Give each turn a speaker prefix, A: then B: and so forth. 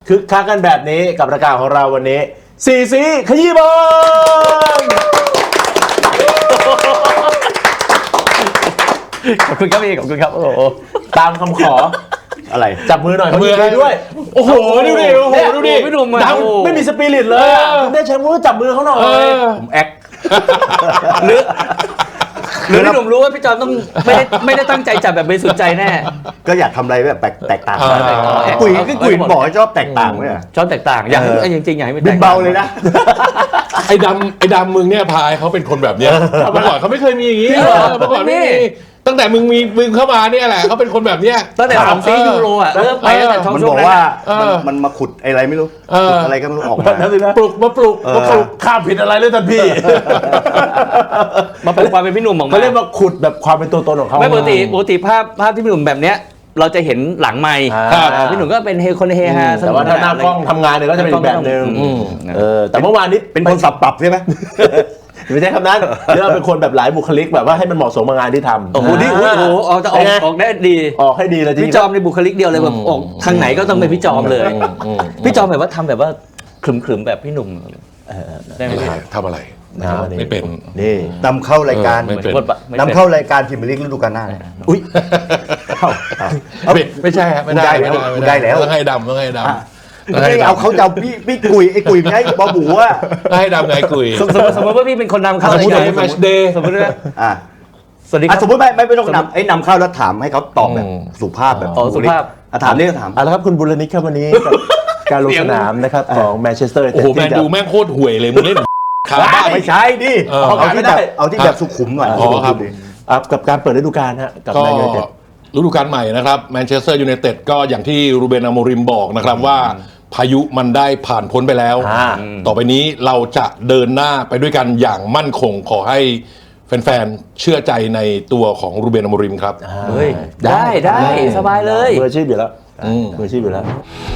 A: คึกคักกันแบบนี้กับรายการของเราวันนี้สี่สีขยี้บอล
B: ขอบคุณครับพี่ขอบคุณครับโอ้โห
A: ตามคำขอ
C: อะไร
A: จับมือหน่อยมือให้ด้วย
B: โอ้โหดูดิโอ้โหดูดิพี่หนุ่ม
A: ดังไม่มีสปิริตเลยได้แชมป์ก็จับมือเขาหน่อยผมแอค
B: หรือพี่หนุ่มรู้ว่าพี่จอมต้องไม่ได้ตั้งใจจับแบบบริสุทธิ์ใจแน่
C: ก็อยากทำอะไรแบบแตกต่างกุยก็กุยบอกให้ชอบแตกต่างเนี่ย
B: ชอบแตกต่างอยากให้จริงๆอยากให้มัน
C: บิ
B: แต
C: น
B: ก
C: เบาเลยนะ
D: ไอ้ดำมึงเนี่ยพายเขาเป็นคนแบบเนี้ยเมื่อก่อนเขาไม่เคยมีอย่างนี้เมื่อก่อนไม่มีตั้งแต่มึงเข้ามาเนี่ยแหละเขาเป็นคนแบบเนี้ย
B: ตั้งแต่2ซียูโรอ่ะเริ่มไปตั้งแต่ช่อง
C: มัน
B: ช่ว
C: บ
B: ง
C: อก
B: นั้น
C: ว่ามันมาขุดอะไรไม่รู้ขุดอะไรก็ไม่รู้ออกมา
D: ปลุก
A: มาปลุกข้ามผิดอะไรเลยท่านพี่
B: มาเป็นความเป็นพี่หนุ่มออกมา
A: เขาเรียกว่าขุดแบบความเป็นตัวตนของเขา
B: ไม่ปกติภาพที่พี่หนุ่มแบบเนี้ยเราจะเห็นหลังไมค์พี่หนุ่มก็เป็นคนเฮฮา
A: แต่ว่าถ้าหน้ากล้องทำงานเนี่ยก็จะเป็นอีกแบบนึงแต่เมื่อวานนี้
C: เป็นคนสับปรับใช่ไหม
A: ไม่ใช่คำนั้นเรียกว่าเป็นคนแบบหลายบุคลิกแบบว่าให้มันเหมาะสมกับงานที่ทำ
B: โอ้โหนี่โอ้โหจะออกได้ดี
A: ออกให้ดีเลยจริง
B: พี่จอมในบุคลิกเดียวเลยแบบออกทางไหนก็ต้องเป็นพี่จอมเลยพี่จอมแบบว่าทำแบบว่าขรึมๆแบบพี่หนุ่มได้ไหม
D: ทำอะไรไม่เป็น
C: นี่นำเข้ารายการ
D: ไม่เป็น
C: นำเข้ารายการพิมพ์ลีกฤดูกาลหน้าเนี่ย
A: อุ้ย
D: ไม่ใช่ครับไม่ได้
C: ได้แล้ว
D: ต้องให้ดำต้องให้ดำ
C: ไม่เอาเขาจะเอาพี่กุยไอ้กุยไม่ให้บอบูว่า
D: ให้ดำไงกุย
B: สมมติว่าพี่เป็นคนนำเข้า
D: สมมติในแมชเดย์
B: สมมติว่า
C: อ่ะ
B: สวัสดีครับ
C: สมมติไม่ต้องนำเข้าแล้วถามให้เขาตอบแบบสุภาพแบบ
B: สุภาพ
C: ถามนี่ก็ถาม
A: เอาละครับคุณบุรณิตครับวันนี้กับการลงสนามนะครับของแมนเชสเตอร์
D: โอ้โหแมนดูแม่งโคตรห่วยเลยมึงเล่นขาบ้า
C: ไม่ใช่ดิเอาที่แบบสุขุมหน่อย
A: กับการเปิดฤดูกาลฮะกับ
D: ก็
A: แมนยูไนเต็ด
D: ฤดูกาลใหม่นะครับแมนเชสเตอร์ยูไนเต็ดก็อย่างที่รูเบน อโมริมบอกนะครับว่าพายุมันได้ผ่านพ้นไปแล้ว ต่อไปนี้เราจะเดินหน้าไปด้วยกันอย่างมั่นคงขอให้แฟนๆเชื่อใจในตัวของรูเบน อโมริมครับ
B: เฮ้ยได้สบายเลย
A: มืออาชีพอยู่แล้วมืออาชีพอยู่แล้ว